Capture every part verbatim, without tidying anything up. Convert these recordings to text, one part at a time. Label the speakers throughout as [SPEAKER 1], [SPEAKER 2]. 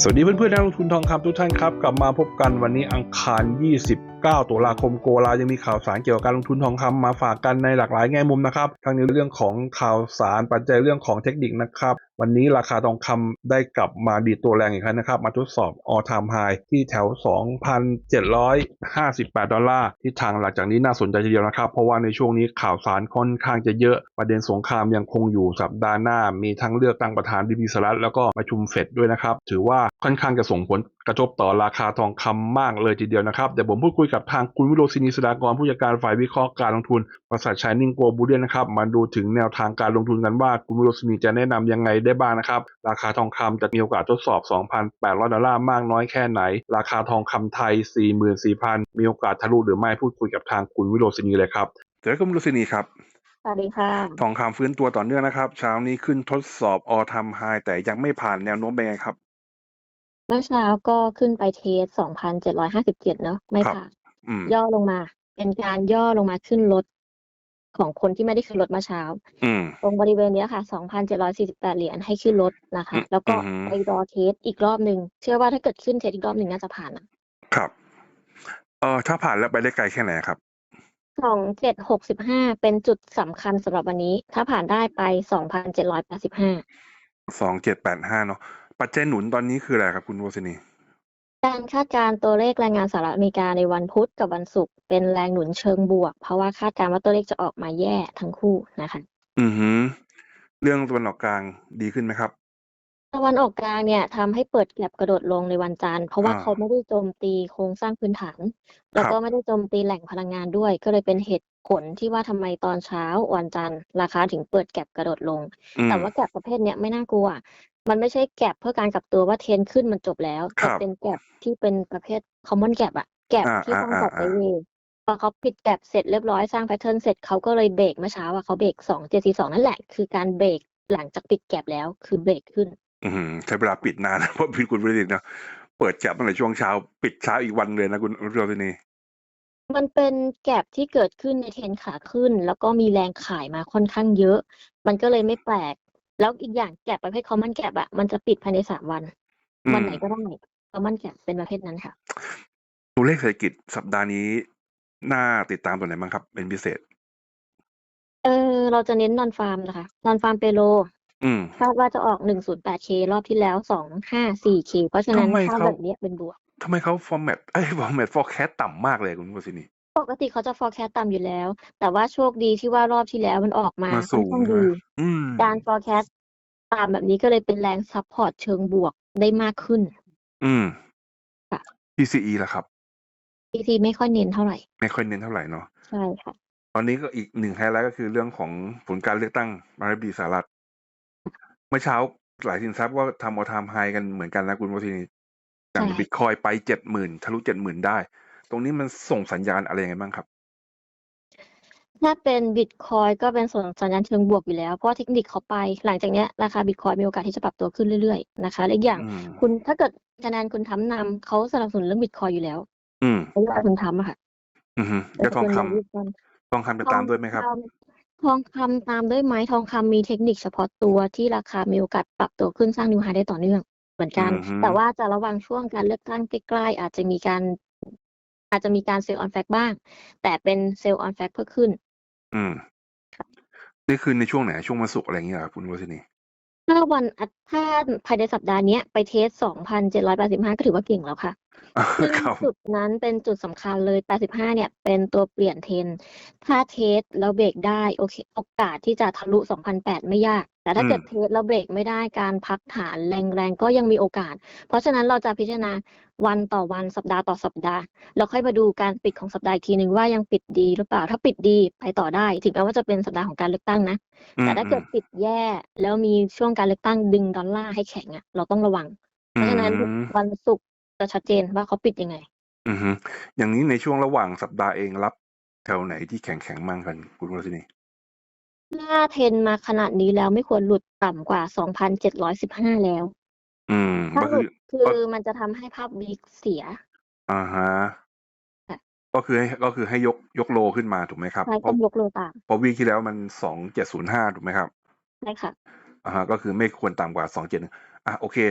[SPEAKER 1] สวัสดีเพื่อนๆนักลงทุนทองคำทุกท่านครับกลับมาพบกันวันนี้อังคารยี่สิบเก้าตุลาคมโกลายังมีข่าวสารเกี่ยวกับการลงทุนทองคำมาฝากกันในหลากหลายแง่มุมนะครับทั้งในเรื่องของข่าวสารปัจจัยเรื่องของเทคนิคนะครับวันนี้ราคาทองคำได้กลับมาดีดตัวแรงอีกครั้งนะครับมาทดสอบ all time high ที่แถว สองพันเจ็ดร้อยห้าสิบแปด ดอลลาร์ที่ทางหลังจากนี้น่าสนใจทีเดียวนะครับเพราะว่าในช่วงนี้ข่าวสารค่อนข้างจะเยอะประเด็นสงครามยังคงอยู่สัปดาห์หน้ามีทั้งเลือกตั้งประธานดิสหรัฐแล้วก็ประชุมเฟดด้วยนะครับถือว่าค่อนข้างจะส่งผลกระทบต่อราคาทองคำมากเลยทีเดียวนะครับเดี๋ยวผมพูดคุยกับทางคุณวิโรจน์ ศินี สดากรผู้จัดการฝ่ายวิเคราะห์การลงทุนบริษัท Shining Global นะครับมาดูถึงแนวทางการลงทุนกันว่าคุณวิโรจน์ ศินีจะแนะนำยังไงได้บ้างนะครับราคาทองคำจะมีโอกาสทดสอบ สองพันแปดร้อย ดอลลาร์มากน้อยแค่ไหนราคาทองคำไทย สี่หมื่นสี่พัน มีโอกาสทะลุหรือไม่พูดคุยกับทางคุณวิโรจน์ ศินีเลยครับเจอคุณวิโรจน์ ศินีครับ
[SPEAKER 2] สวัสดีค่ะ
[SPEAKER 1] ทองคำฟื้นตัวต่อเนื่องนะครับเช้านี้ขึ้นทดสอบ all time high แต่ยังไม่ผ่านแนวโน้มเป็นไงครับ
[SPEAKER 2] เมื่อเช้าก็ขึ้นไปเทส สองพันเจ็ดร้อยห้าสิบเจ็ด เนาะไม่ผ่านย่อลงมาเป็นการย่อลงมาขึ้นรถของคนที่ไม่ได้ขึ้นรถเมื่อเช้าตรงบริเวณนี้ค่ะ สองพันเจ็ดร้อยสี่สิบแปด เหรียญให้ขึ้นรถนะคะแล้วก็ไปรอเทสอีกรอบหนึ่งเชื่อว่าถ้าเกิดขึ้นเทสอีกรอบหนึ่งน่าจะผ่านนะครับ
[SPEAKER 1] เออถ้าผ่านแล้วไปได้ไกลแค่ไหนครับ
[SPEAKER 2] สองพันเจ็ดร้อยหกสิบห้าเป็นจุดสำคัญสำหรับวันนี้ถ้าผ่านได้ไป สองพันเจ็ดร้อยแปดสิบห้า
[SPEAKER 1] สองพันเจ็ดร้อยแปดสิบห้าเนาะปัจจัยหนุนตอนนี้คืออะไรครับคุณวศินี
[SPEAKER 2] การคาดการณ์ตัวเลขแรงงานสหรัฐอเมริกาในวันพุธกับวันศุกร์เป็นแรงหนุนเชิงบวกเพราะว่าคาดการณ์ว่าตัวเลขจะออกมาแย่ทั้งคู่นะคะ
[SPEAKER 1] อือฮึเรื่องตะวันออกกลางดีขึ้นไหมครับ
[SPEAKER 2] ตะวันออกกลางเนี่ยทำให้เปิดแก็ปกระโดดลงในวันจันทร์เพราะว่าเขาไม่ได้โจมตีโครงสร้างพื้นฐานแล้วก็ไม่ได้โจมตีแหล่งพลังงานด้วยก็เลยเป็นเหตุผลที่ว่าทำไมตอนเช้าวันจันทร์ราคาถึงเปิดแก็ปกระโดดลงแต่ว่าแก็ปประเภทเนี้ยไม่น่ากลัวมันไม่ใช่แก็ปเพื่อการกลับตัวว่าเทรนขึ้นมันจบแล้วแต่เป็นแก็ปที่เป็นประเภท common gap อะแก็ปที่ต้องจัดไซด์เวย์พอเขาปิดแก็ปเสร็จเรียบร้อยสร้างแพทเทิร์นเสร็จเขาก็เลยเบรกเมื่อเช้าอะเขาเบรกสองพันเจ็ดร้อยสี่สิบสองนั่นแหละคือการเบรกหลังจากปิดแก็ปแล้วคือเบรกขึ้น
[SPEAKER 1] อืมใช้เวลาปิดนานนะเพราะพี่คุณบริษัทเนาะเปิดแก็ปตั้งแต่ช่วงเช้าปิดเช้าอีกวันเลยนะคุณวศินี
[SPEAKER 2] มันเป็นแก็ปที่เกิดขึ้นในเทรนขาขึ้นแล้วก็มีแรงขายมาค่อนข้างเยอะมันก็เลยไม่แปลกแล้วอีกอย่างแก็ปประเภท common gap อะมันจะปิดภายในสามวันวันไหนก็ได้ common gap เป็นประเภทนั้นค่ะ
[SPEAKER 1] ตัวเลขเศรษฐกิจสัปดาห์นี้น่าติดตามตัวไหนบ้างครับเป็นพิเศษ
[SPEAKER 2] เออเราจะเน้น non farm นะคะ non farm payroll คาดว่าจะออก หนึ่งร้อยแปดเค รอบที่แล้ว สองร้อยห้าสิบสี่เค เพราะฉะนั้นถ้าแบบนี้เป็นบวก
[SPEAKER 1] ทำไมเขาฟอร์แมตเอ้ยฟอร์แมต forecast ต่ำมากเลยคุณวศินี
[SPEAKER 2] ปกติเขาจะ forecast ต่ำอยู่แล้วแต่ว่าโชคดีที่ว่ารอบที่แล้วมันออกมา
[SPEAKER 1] มา
[SPEAKER 2] ค่อน
[SPEAKER 1] สูง
[SPEAKER 2] ข้างดีการ forecast ต่ำแบบนี้ก็เลยเป็นแรง support เชิงบวกได้มากขึ้น
[SPEAKER 1] อืม
[SPEAKER 2] ค่ะ
[SPEAKER 1] พี ซี อี ล่ะครับ
[SPEAKER 2] พี ซี ไม่ค่อยเน้นเท่าไหร่
[SPEAKER 1] ไม่ค่อยเน้นเท่าไหร่เนาะ
[SPEAKER 2] ใช่ค่ะ
[SPEAKER 1] ตอนนี้ก็อีกหนึ่งไฮไลท์ก็คือเรื่องของผลการเลือกตั้งประธานาธิบดีสหรัฐเมื่อเช้าหลายสินทรัพย์ก็ทำ all time high กันเหมือนกันนะคุณวศินีอย่างบิตคอยไป เจ็ดหมื่น ทะลุ เจ็ดหมื่น ได้ตรงนี้มันส่งสัญญาณอะไรยังไงบ้างครับ
[SPEAKER 2] ถ้าเป็นบิตคอยก็เป็นส่วนสัญญาณเชิงบวกอยู่แล้วเพราะเทคนิคเขาไปหลังจากนี้ราคาบิตคอยมีโอกาสที่จะปรับตัวขึ้นเรื่อยๆนะคะและอีกอย่างคุณถ้าเกิดคะแนนคุณทำนำเขาสนับสนุนเรื่องบิตคอยอยู่แล้วนโยบายคุณทำอะค่ะ
[SPEAKER 1] อือฮึแล้วทองคำทองคำจะตามด้วยไหมครับ
[SPEAKER 2] ทองคำตามด้วยไหมทองคำมีเทคนิคเฉพาะตัวที่ราคามีโอกาสปรับตัวขึ้นสร้างนิวไฮได้ต่อเนื่องเหมือนกันแต่ว่าจะระวังช่วงการเลือกตั้งใกล้ๆอาจจะมีการอาจจะมีการเซลล์ออนแฟกบ้างแต่เป็นเซลล์ออนแฟกเพื่อขึ้น
[SPEAKER 1] อืมนี่คือในช่วงไหนช่วงวันศุกร์อะไรอย่างเงี้ยครับคุณวศินี
[SPEAKER 2] ถ้าวันถ้าภายในสัปดาห์นี้ไปเทส สองพันเจ็ดร้อยแปดสิบห้า ก็ถือว่าเก่งแล้วค่ะซึ่งจุดนั้นเป็นจุดสำคัญเลยแปดสิบห้าเนี่ยเป็นตัวเปลี่ยนเทรนถ้าเทสแล้วเบรกได้โอเคโอกาสที่จะทะลุ สองพันแปดร้อย ไม่ยากแต่ถ้าเกิดเทสแล้วเบรกไม่ได้การพักฐานแรงๆก็ยังมีโอกาสเพราะฉะนั้นเราจะพิจารณาวันต่อวันสัปดาห์ต่อสัปดาห์แล้วค่อยมาดูการปิดของสัปดาห์อีกทีนึงว่ายังปิดดีหรือเปล่าถ้าปิดดีไปต่อได้ถึงแม้ว่าจะเป็นสัปดาห์ของการเลือกตั้งนะแต่ถ้าเกิดปิดแย่แล้วมีช่วงการเลือกตั้งดึงดอลลาร์ให้แข็งอ่ะเราต้องระวังเพราะฉะนั้นวันศุกร์จะชัดเจนว่าเขาปิดยังไง
[SPEAKER 1] อือฮึอย่างนี้ในช่วงระหว่างสัปดาห์เองรับแถวไหนที่แข็งๆมั่งกันคุณวศินี
[SPEAKER 2] ถ้าเทรนมาขนาดนี้แล้วไม่ควรหลุดต่ำกว่า สองพันเจ็ดร้อยสิบห้า แล้ว
[SPEAKER 1] อืม
[SPEAKER 2] ถ้า
[SPEAKER 1] ก็
[SPEAKER 2] หลุ
[SPEAKER 1] คือ
[SPEAKER 2] ดคือมันจะทำให้ภาพวีคเสีย
[SPEAKER 1] อะฮะก็คือให้ก็คือให้ยกยกโลขึ้นมาถูกไหมครับ
[SPEAKER 2] ใช่
[SPEAKER 1] เพราะ
[SPEAKER 2] ต้องยกโลตาม
[SPEAKER 1] เพราะวีคที่แล้วมันสองพันเจ็ดร้อยห้าถูกไหมครับ
[SPEAKER 2] ใช่ค่ะ
[SPEAKER 1] อะฮะก็คือไม่ควรต่ำกว่าสองพันเจ็ดร้อยอ่ะโอเค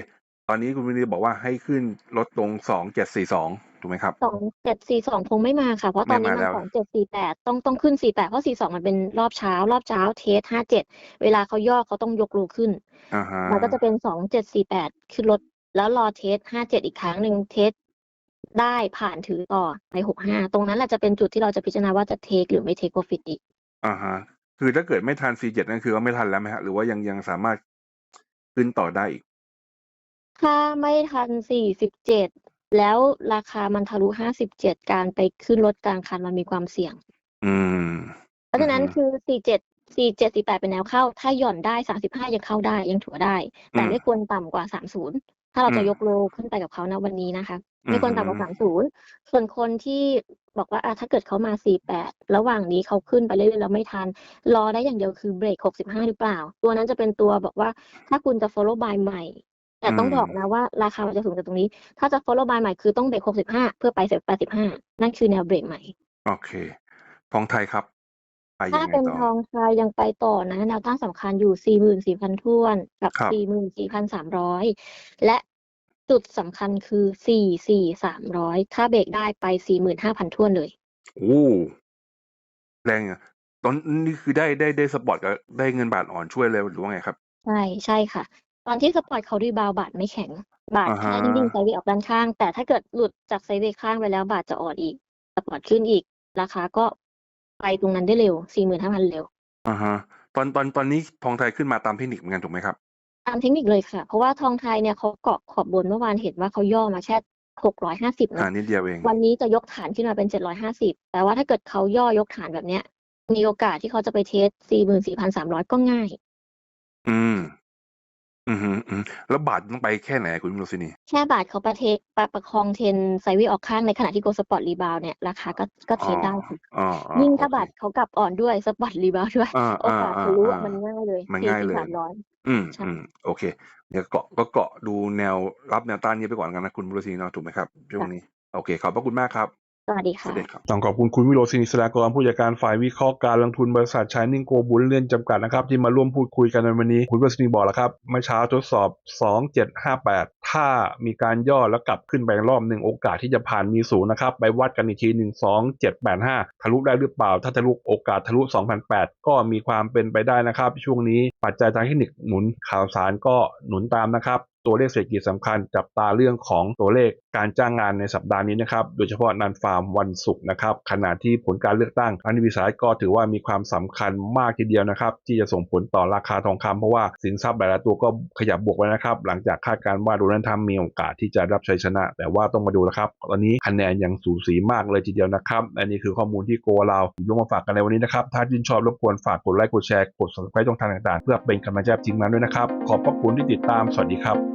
[SPEAKER 1] ตอนนี้คุณวินิบอกว่าให้ขึ้นลดลงสองเจ็ดสี่สองถูกไหมครับ
[SPEAKER 2] สองเจ็ดสี่สองคงไม่มาค่ะเพราะตอนนี้มัน
[SPEAKER 1] ไม่มาแล้ว
[SPEAKER 2] สองเจ็ดสี่แปดต้องต้องขึ้นสี่แปดเพราะสี่สองมันเป็นรอบเช้ารอบเช้าเทสห้าเจ็ดเวลาเขาย่อเขาต้องยกโลขึ้น
[SPEAKER 1] อ่าฮะ
[SPEAKER 2] มันก็จะเป็นสองเจ็ดสี่แปดขึ้นลดแล้วรอเทสห้าเจ็ดอีกครั้งหนึ่งเทสได้ผ่านถือต่อไปหกห้าตรงนั้นแหละจะเป็นจุดที่เราจะพิจารณาว่าจะเทคหรือไม่เทคโปรฟิตอีก
[SPEAKER 1] อ่าฮะคือถ้าเกิดไม่ทัน ซี เจ็ด นั่นคือว่าไม่ทันแล้วไหมฮะหรือว่ายังยังสามารถขึ้นต่อได้อีก
[SPEAKER 2] ถ้าไม่ทันสี่สิบเจ็ดแล้วราคามันทะลุห้าสิบเจ็ดการไปขึ้นรถกลางคันมันมีความเสี่ยง
[SPEAKER 1] อืม
[SPEAKER 2] เพราะฉะนั้นคือสี่เจ็ด สี่เจ็ด สี่แปดเป็นแนวเข้าถ้าหย่อนได้สามสิบห้ายังเข้าได้ยังถือได้แต่ไม่ควรต่ำกว่าสามสิบถ้าเราจะยกโลขึ้นไปกับเขาณวันนี้นะคะไม่ควรต่ำกว่าสามสิบส่วนคนที่บอกว่าถ้าเกิดเขามาสี่แปดระหว่างนี้เขาขึ้นไปเรื่อยๆแล้วไม่ทันรอได้อย่างเดียวคือเบรกหกสิบห้าหรือเปล่าตัวนั้นจะเป็นตัวบอกว่าถ้าคุณจะ follow buy ใหม่แต่ต้องบอกนะว่าราคามันจะสูงจากตรงนี้ถ้าจะ follow buy ใหม่คือต้องเบรกหกสิบห้าเพื่อไปเสร็จแปดสิบห้านั่นคือแนวเบรกใหม่
[SPEAKER 1] โอเคทองไทยครับไปยั
[SPEAKER 2] ถ้าง
[SPEAKER 1] ไง
[SPEAKER 2] เป็น
[SPEAKER 1] ต่อ
[SPEAKER 2] ทองคำยังไปต่อนะแนวต้านสำคัญอยู่ สี่หมื่นสี่พัน ถ้วนกับ
[SPEAKER 1] ครับ
[SPEAKER 2] สี่หมื่นสี่พันสามร้อย และจุดสำคัญคือ สี่หมื่นสี่พันสามร้อย ถ้าเบรกได้ไป สี่หมื่นห้าพัน ถ้วนเลย
[SPEAKER 1] โอ้แรงอ่ะตอนนี้คือได้ได้ได้สปอร์ตกับได้เงินบาทอ่อนช่วยเลยหรือว่าไงครับ
[SPEAKER 2] ใช่ใช่ค่ะ ตอนที่สปอร์ตเขารีบาวด์บาทไม่แข็ง บาท
[SPEAKER 1] อ่าฮะ
[SPEAKER 2] แค่นิ่งๆไซด์เวย์ออกด้านข้าง แต่ถ้าเกิดหลุดจากไซด์เวย์ข้างไปแล้วบาทจะอ่อนอีก สปอร์ตขึ้นอีก ราคาก็ไปตรงนั้นได้เร็ว สี่หมื่นห้าพัน เร็ว
[SPEAKER 1] อ่าฮะตอนตอนตอนนี้ทองไทยขึ้นมาตามเทคนิคเหมือนกันถูกไหมครับ
[SPEAKER 2] ตามเทคนิคเลยค่ะ เพราะว่าทองไทยเนี่ยเขาเกาะขอบบนเมื่อวานเห็นว่าเขาย่อมาแค่หกร้อยห้าสิบ
[SPEAKER 1] อ่า
[SPEAKER 2] เนาะ
[SPEAKER 1] นิดเดียวเอง
[SPEAKER 2] วันนี้จะยกฐานขึ้นมาเป็นเจ็ดร้อยห้าสิบแต่ว่าถ้าเกิดเขาย่อยกฐานแบบเนี้ยมีโอกาสที่เขาจะไปเทส สี่หมื่นสี่พันสามร้อย ก็ง่าย
[SPEAKER 1] อืมอืมอืมอืมแล้วบาทต้องไปแค่ไหนคุณโรซินี
[SPEAKER 2] แค่บาทเขาประเทประประคองเทรนไซด์เวย์ออกข้างในขณะที่โกลด์สปอร์ตรีบาวด์เนี่ยราคาก็ก็เท
[SPEAKER 1] อ๋อ
[SPEAKER 2] รดได้ค่ะ
[SPEAKER 1] อ๋ออ๋อ
[SPEAKER 2] ยิ่ง
[SPEAKER 1] โอเค
[SPEAKER 2] ถ้าบาทเขากลับอ่อนด้วยสปอร์ตรีบาวด์ด้วย
[SPEAKER 1] อ่า
[SPEAKER 2] โอ
[SPEAKER 1] อ่า
[SPEAKER 2] กาส
[SPEAKER 1] อ่า
[SPEAKER 2] ทะลุ
[SPEAKER 1] อ่า
[SPEAKER 2] อะมันง่ายเลย
[SPEAKER 1] มัน
[SPEAKER 2] สี่สิบ
[SPEAKER 1] ง่ายเลย
[SPEAKER 2] สามร้อย
[SPEAKER 1] อืม
[SPEAKER 2] ใช่
[SPEAKER 1] อืมโอเคเดี๋ยวเกาะก็เกาะดูแนวรับแนวต้านนี้ไปก่อนกันนะคุณโรซินีเนาะถูกไหมครับช่วงนี้
[SPEAKER 2] ค่ะ
[SPEAKER 1] โอเคขอบพระคุณมากครับ
[SPEAKER 2] สวัสดี
[SPEAKER 1] สวั
[SPEAKER 2] ค่ะ
[SPEAKER 1] สดีครับต้องขอบคุณคุณวิโรจน์ศิริศรากรผู้จัดการฝ่ายวิเคราะห์การลงทุนบริษัท Shining Go Bullion จำกัดนะครับที่มาร่วมพูดคุยกันในวันนี้คุณวิโรจน์ศิริบอกแล้วครับเมื่อเช้าทดสอบสองเจ็ดห้าแปดถ้ามีการย่อแล้วกลับขึ้นไปรอบหนึ่งโอกาสที่จะผ่านมีสูงนะครับไปวัดกันอีกทีหนึ่ง สองเจ็ดแปดห้าทะลุได้หรือเปล่าถ้าทะลุโอกาสทะลุ สองพันแปดร้อย ก็มีความเป็นไปได้นะครับช่วงนี้ปัจจัยทางเทคนิคหนุนข่าวสารก็หนุนตามนะครับตัวเลขเศรษฐกิจสำคัญจับตาเรื่องของตัวเลขการจ้างงานในสัปดาห์นี้นะครับโดยเฉพาะนันฟาร์มวันศุกร์นะครับขณะที่ผลการเลือกตั้งอันวิสัยก็ถือว่ามีความสำคัญมากทีเดียวนะครับที่จะส่งผลต่อราคาทองคำเพราะว่าสินทรัพย์หลายๆตัวก็ขยับบวกไว้นะครับหลังจากคาดการณ์ว่าโดนัลด์ทรัมป์มีโอกาสที่จะรับชัยชนะ แต่ว่าต้องมาดูนะครับตอนนี้คะแนนยังสูสีมากเลยทีเดียวนะครับอันนี้คือข้อมูลที่โกเราหยิบยกมาฝากกันในวันนี้นะครับถ้าชื่นชอบรบกวนฝากกดไลค์กดแชร์กด ซับสไครบ์ ช่องทางต่างๆเพื่อเป็นกำลังใจทีมงานด้วยนะครับขอบพระคุณที่ติดตามสวัสดีครับ